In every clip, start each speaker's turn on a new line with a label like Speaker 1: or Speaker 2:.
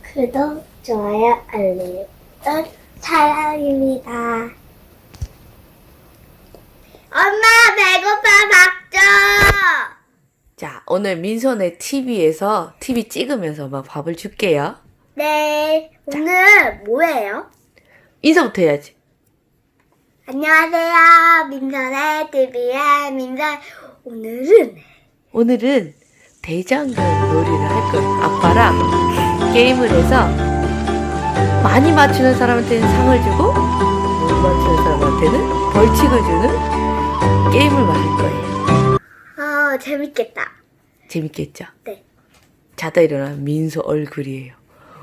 Speaker 1: 구독, 좋아요, 알림 사랑입니다. 엄마 배고파 밥 줘.
Speaker 2: 자, 오늘 민소네 TV에서 TV 찍으면서 막 밥을 줄게요.
Speaker 1: 네, 오늘 뭐예요?
Speaker 2: 인사부터 해야지.
Speaker 1: 안녕하세요, 민선의 TV의 민선. 오늘은
Speaker 2: 대장금 놀이를 할 거예요. 아빠랑 게임을 해서 많이 맞추는 사람한테는 상을 주고 못 맞추는 사람한테는 벌칙을 주는 게임을 할 거예요.
Speaker 1: 재밌겠다.
Speaker 2: 재밌겠죠?
Speaker 1: 네.
Speaker 2: 자다 일어난 민소 얼굴이에요.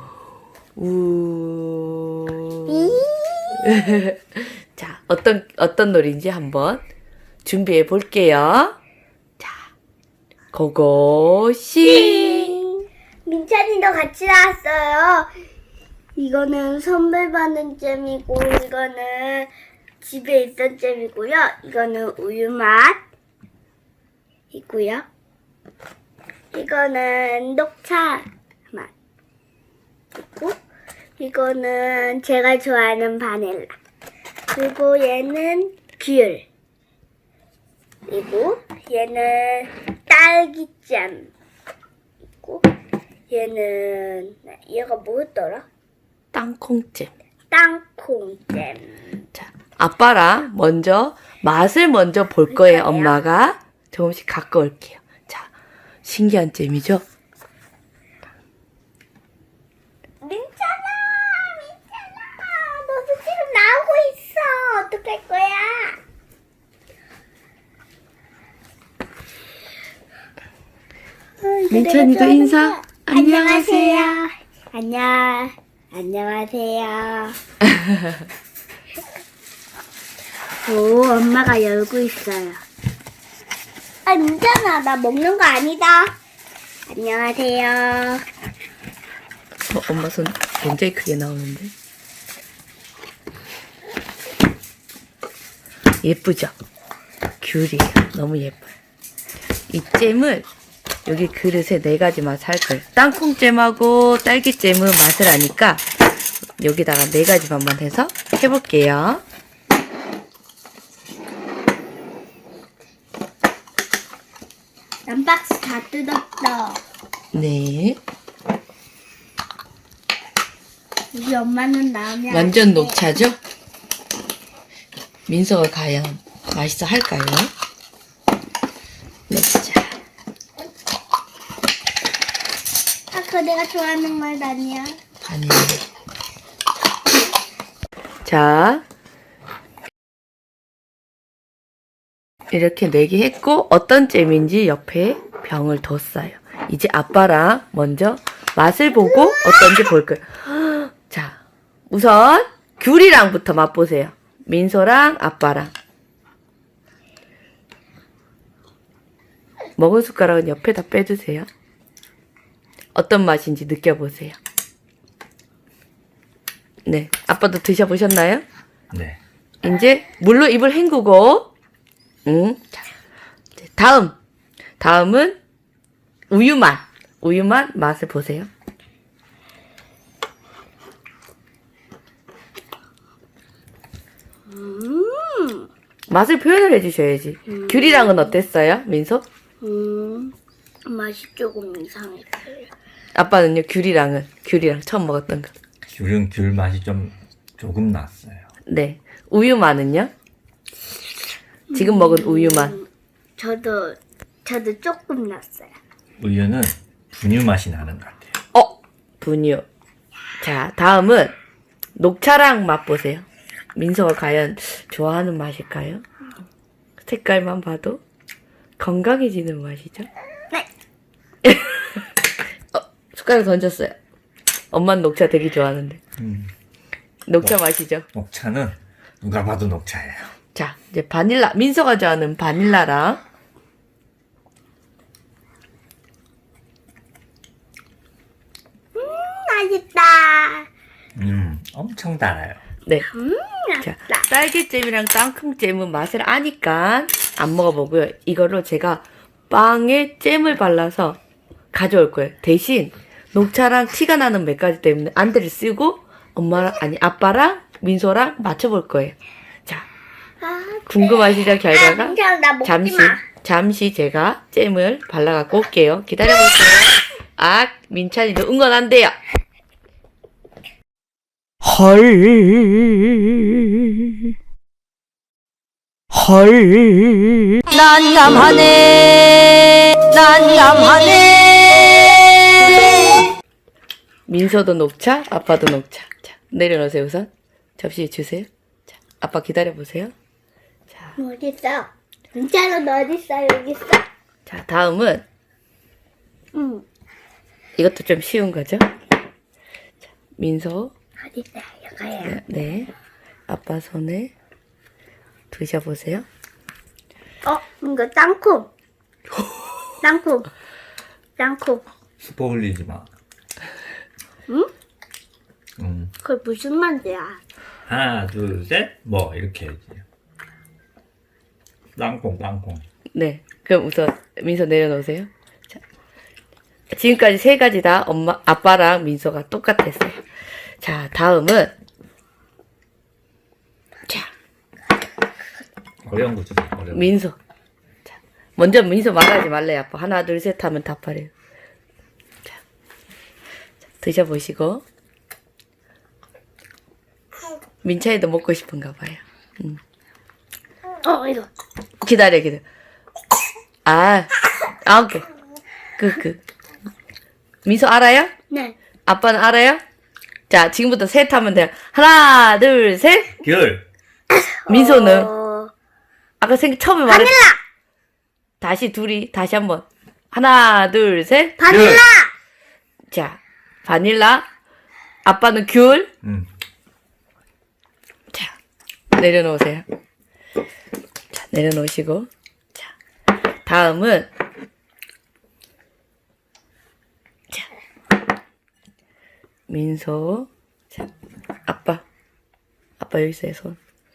Speaker 2: 우. 자, 어떤 놀이인지 한번 준비해 볼게요. 자, 고고싱.
Speaker 1: 민찬이도 같이 나왔어요. 이거는 선물 받는 잼이고, 이거는 집에 있던 잼이고요. 이거는 우유 맛이고요. 이거는 녹차 맛. 있고, 이거는 제가 좋아하는 바닐라. 그리고 얘는 귤. 그리고 얘는 딸기잼. 있고, 얘가 뭐였더라?
Speaker 2: 땅콩잼.
Speaker 1: 땅콩잼.
Speaker 2: 자, 아빠랑 맛을 먼저 볼 거예요.
Speaker 1: 볼까요?
Speaker 2: 엄마가 조금씩 갖고 올게요. 자, 신기한 잼이죠?
Speaker 1: 민찬아, 너도 지금 나오고 있어. 어떡할 거야?
Speaker 2: 민찬이도 인사. 안녕하세요.
Speaker 1: 안녕하세요. 오, 엄마가 열고 있어요. 민찬아, 나 먹는 거 아니다. 안녕하세요.
Speaker 2: 엄마 손 굉장히 크게 나오는데. 예쁘죠? 귤이에요. 너무 예뻐요. 이 잼을 여기 그릇에 4가지 맛 할 거예요. 땅콩잼하고 딸기잼은 맛을 아니까 여기다가 4가지 맛만 해서 해볼게요.
Speaker 1: 난 박스 다 뜯었어.
Speaker 2: 네.
Speaker 1: 우리 엄마는 나오면
Speaker 2: 완전 녹차죠? 민서가 과연 맛있어 할까요? 녹차.
Speaker 1: 그거 내가 좋아하는 말 아니야.
Speaker 2: 아니에요. 자. 이렇게 4개 했고 어떤 잼인지 옆에 병을 뒀어요. 이제 아빠랑 먼저 맛을 보고 어떤지 볼 거예요. 자, 우선 귤이랑부터 맛보세요. 민소랑 아빠랑. 먹을 숟가락은 옆에다 빼주세요. 어떤 맛인지 느껴보세요. 네, 아빠도 드셔보셨나요?
Speaker 3: 네.
Speaker 2: 이제 물로 입을 헹구고 자, 다음은 우유 맛 맛을 보세요. 맛을 표현을 해주셔야지. 귤이랑은 어땠어요, 민소?
Speaker 1: 맛이 조금 이상했어요.
Speaker 2: 아빠는요, 귤이랑 처음 먹었던 거.
Speaker 3: 귤 맛이 조금 났어요.
Speaker 2: 네, 우유 맛은요? 지금 먹은 우유 맛.
Speaker 1: 저도 조금 났어요.
Speaker 3: 우유는 분유 맛이 나는 것 같아요.
Speaker 2: 분유. 자, 다음은 녹차랑 맛보세요. 민서가 과연 좋아하는 맛일까요? 색깔만 봐도 건강해지는 맛이죠?
Speaker 1: 네.
Speaker 2: 숟가락 던졌어요. 엄마는 녹차 되게 좋아하는데. 녹차 맛이죠?
Speaker 3: 녹차는 누가 봐도 녹차예요.
Speaker 2: 자, 이제 바닐라. 민서가 좋아하는 바닐라랑.
Speaker 1: 맛있다.
Speaker 3: 엄청 달아요.
Speaker 2: 네. 자, 딸기잼이랑 땅콩잼은 맛을 아니까 안 먹어보고요. 이거로 제가 빵에 잼을 발라서 가져올 거예요. 대신 녹차랑 티가 나는 몇 가지 때문에 안대를 쓰고 엄마랑 아니 아빠랑 민소랑 맞춰볼 거예요. 자, 궁금하시죠 결과가?
Speaker 1: 민찬아, 나 먹지
Speaker 2: 잠시
Speaker 1: 마.
Speaker 2: 잠시 제가 잼을 발라갖고 올게요. 기다려보세요. 아, 민찬이도 응원한대요. 헐. 헐. 난감하네. 난감하네. 민서도 녹차, 아빠도 녹차. 자, 내려놓으세요 우선. 접시 주세요. 자, 아빠 기다려보세요.
Speaker 1: 어디 있어? 민찬아, 너 어디 있어? 여기 있어?
Speaker 2: 자, 다음은
Speaker 1: 응.
Speaker 2: 이것도 좀 쉬운 거죠? 자, 민서.
Speaker 1: 어디 있어? 여기야.
Speaker 2: 네. 아빠 손에 드셔보세요.
Speaker 1: 이거 땅콩. 땅콩. 땅콩.
Speaker 3: 스포 흘리지 마.
Speaker 1: 응?
Speaker 3: 응.
Speaker 1: 그게 무슨 맛이야?
Speaker 3: 하나, 둘, 셋. 뭐 이렇게 해야지. 땅콩, 땅콩.
Speaker 2: 네. 그럼 우선 민서 내려놓으세요. 자, 지금까지 세 가지 다 엄마, 아빠랑 민서가 똑같았어요. 자, 다음은 자,
Speaker 3: 어려운 거 주세요. 어려운 거.
Speaker 2: 민서. 자, 먼저 민서 말하지 말래요, 아빠. 하나, 둘, 셋 하면 답하래요. 자, 자, 드셔보시고. 민차이도 먹고 싶은가 봐요.
Speaker 1: 이거.
Speaker 2: 기다려. 오케이. 민서 알아요?
Speaker 1: 네.
Speaker 2: 아빠는 알아요? 자, 지금부터 셋 하면 돼요. 하나, 둘, 셋.
Speaker 3: 귤.
Speaker 2: 민서는 아까 처음에 말했.
Speaker 1: 바닐라!
Speaker 2: 다시 한번. 하나, 둘, 셋.
Speaker 1: 바닐라!
Speaker 2: 자, 바닐라. 아빠는 귤. 자, 내려놓으세요. 자, 내려놓으시고. 자, 다음은 자, 민서. 자, 아빠 여기 있어요, 손.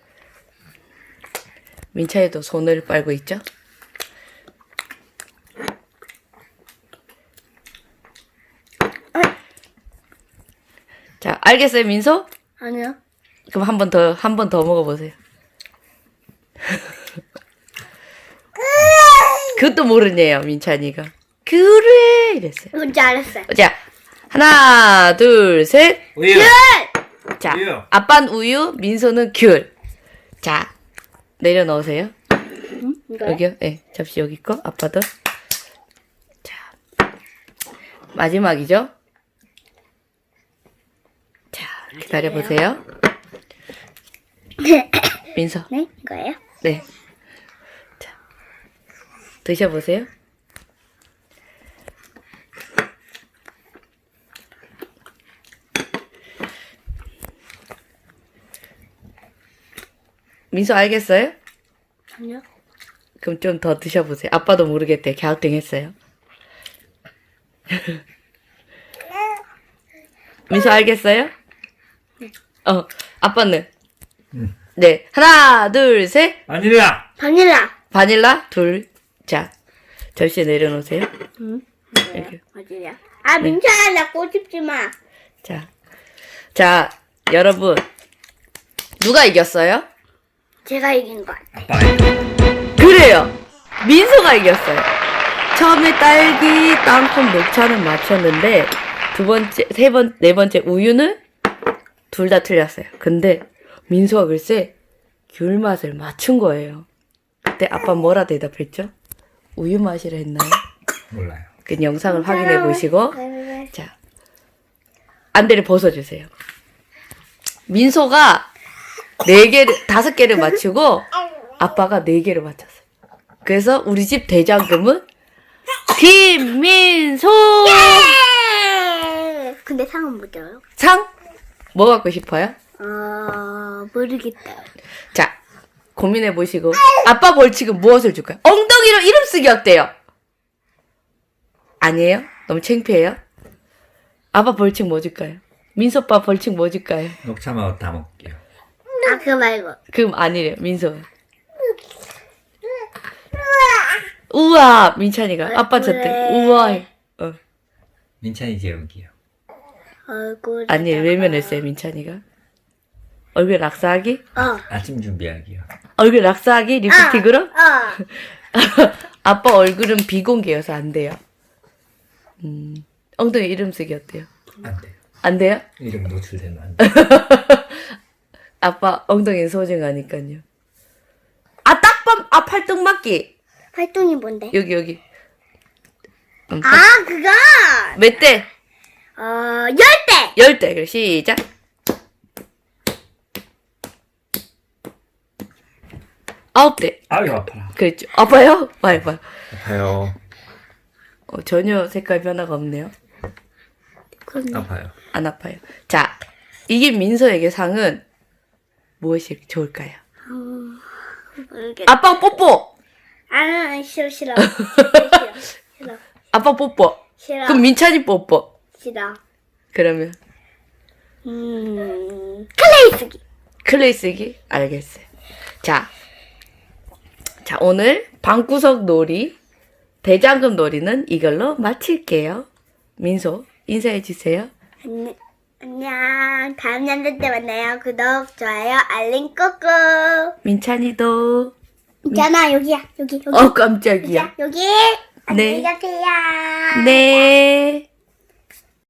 Speaker 2: 민차이도 손을 빨고 있죠? 자, 알겠어요, 민서?
Speaker 1: 아니요.
Speaker 2: 그럼 한 번 더 먹어보세요. 그것도 모르네요, 민찬이가. 그래! 이랬어요.
Speaker 1: 뭔지 알았어요.
Speaker 2: 자, 하나, 둘, 셋.
Speaker 3: 우유.
Speaker 2: 자,
Speaker 3: 우유.
Speaker 2: 아빠는 우유, 민서는 귤. 자, 내려놓으세요.
Speaker 1: 이거요?
Speaker 2: 여기요? 네, 접시 여기 있고, 아빠도. 자, 마지막이죠? 자, 기다려보세요. 민서.
Speaker 1: 네? 이거예요?
Speaker 2: 네. 자, 드셔보세요. 민서 알겠어요?
Speaker 1: 아니요.
Speaker 2: 그럼 좀 더 드셔보세요. 아빠도 모르겠대. 갸우뚱했어요. 민서 알겠어요? 아빠는? 네. 하나, 둘, 셋.
Speaker 3: 바닐라.
Speaker 1: 바닐라.
Speaker 2: 바닐라, 둘. 자, 접시에 내려놓으세요. 이렇게.
Speaker 1: 어디야? 아, 민찬아, 나 꼬집지 마.
Speaker 2: 자, 여러분. 누가 이겼어요?
Speaker 1: 제가 이긴 것 같아.
Speaker 3: 아빠.
Speaker 2: 그래요. 민서가 이겼어요. 처음에 딸기, 땅콩, 녹차는 맞췄는데 두 번째, 네 번째 우유는 둘 다 틀렸어요. 근데 민서가 글쎄 귤 맛을 맞춘 거예요. 그때 아빠 뭐라 대답했죠? 우유 맛이라 했나요?
Speaker 3: 몰라요.
Speaker 2: 그 영상을 확인해 보시고
Speaker 1: 왜?
Speaker 2: 자, 안대를 벗어주세요. 민서가 5개를 맞추고 아빠가 4개를 맞췄어요. 그래서 우리 집 대장금은 김민소!
Speaker 1: 근데 상은 못 줘요?
Speaker 2: 상? 뭐 갖고 싶어요?
Speaker 1: 모르겠다.
Speaker 2: 자, 고민해 보시고 아빠 벌칙은 무엇을 줄까요? 엉덩이로 이름 쓰기 어때요? 아니에요? 너무 창피해요? 아빠 벌칙 뭐 줄까요? 민서 오빠 벌칙 뭐 줄까요?
Speaker 3: 녹차만 다 먹게요.
Speaker 1: 그거 말고.
Speaker 2: 그럼 아니래요, 민서. 우와, 민찬이가 아빠 쳤대.
Speaker 1: 그래.
Speaker 2: 우와.
Speaker 3: 민찬이 제육이요.
Speaker 1: 얼굴.
Speaker 2: 아니, 외면했어요, 민찬이가. 얼굴 락사하기?
Speaker 3: 아침 준비하기요.
Speaker 2: 얼굴 락사하기? 리프틱으로?
Speaker 1: 어.
Speaker 2: 아빠 얼굴은 비공개여서 안 돼요. 엉덩이 이름 쓰기 어때요?
Speaker 3: 안 돼요.
Speaker 2: 안 돼요?
Speaker 3: 이름 노출되면 안 돼요.
Speaker 2: 아빠 엉덩이는 소중하니까요. 아, 딱밤! 아, 팔뚝 맞기!
Speaker 1: 활동이 뭔데?
Speaker 2: 여기.
Speaker 1: 아, 그거!
Speaker 2: 몇 대?
Speaker 1: 10대!
Speaker 2: 10대. 그래, 시작. 아홉 대.
Speaker 3: 아유, 아파라.
Speaker 2: 그랬죠. 아파요? 봐요.
Speaker 3: 아파요.
Speaker 2: 전혀 색깔 변화가 없네요.
Speaker 3: 아파요.
Speaker 2: 안 아파요. 자, 이게 민서에게 상은 무엇이 좋을까요?
Speaker 1: 모르겠다.
Speaker 2: 아빠 뽀뽀!
Speaker 1: 싫어.
Speaker 2: 아빠 뽀뽀.
Speaker 1: 싫어.
Speaker 2: 그럼 민찬이 뽀뽀.
Speaker 1: 싫어.
Speaker 2: 그러면
Speaker 1: 클레이 쓰기.
Speaker 2: 클레이 쓰기? 알겠어요. 자, 오늘 방구석 놀이, 대장금 놀이는 이걸로 마칠게요. 민소, 인사해주세요.
Speaker 1: 안녕. 다음 연도 때 만나요. 구독, 좋아요, 알림 꾹꾹.
Speaker 2: 민찬이도.
Speaker 1: 있잖아, 여기야. 여기.
Speaker 2: 깜짝이야.
Speaker 1: 여기.
Speaker 2: 네.
Speaker 1: 안녕히 가세요.
Speaker 2: 네.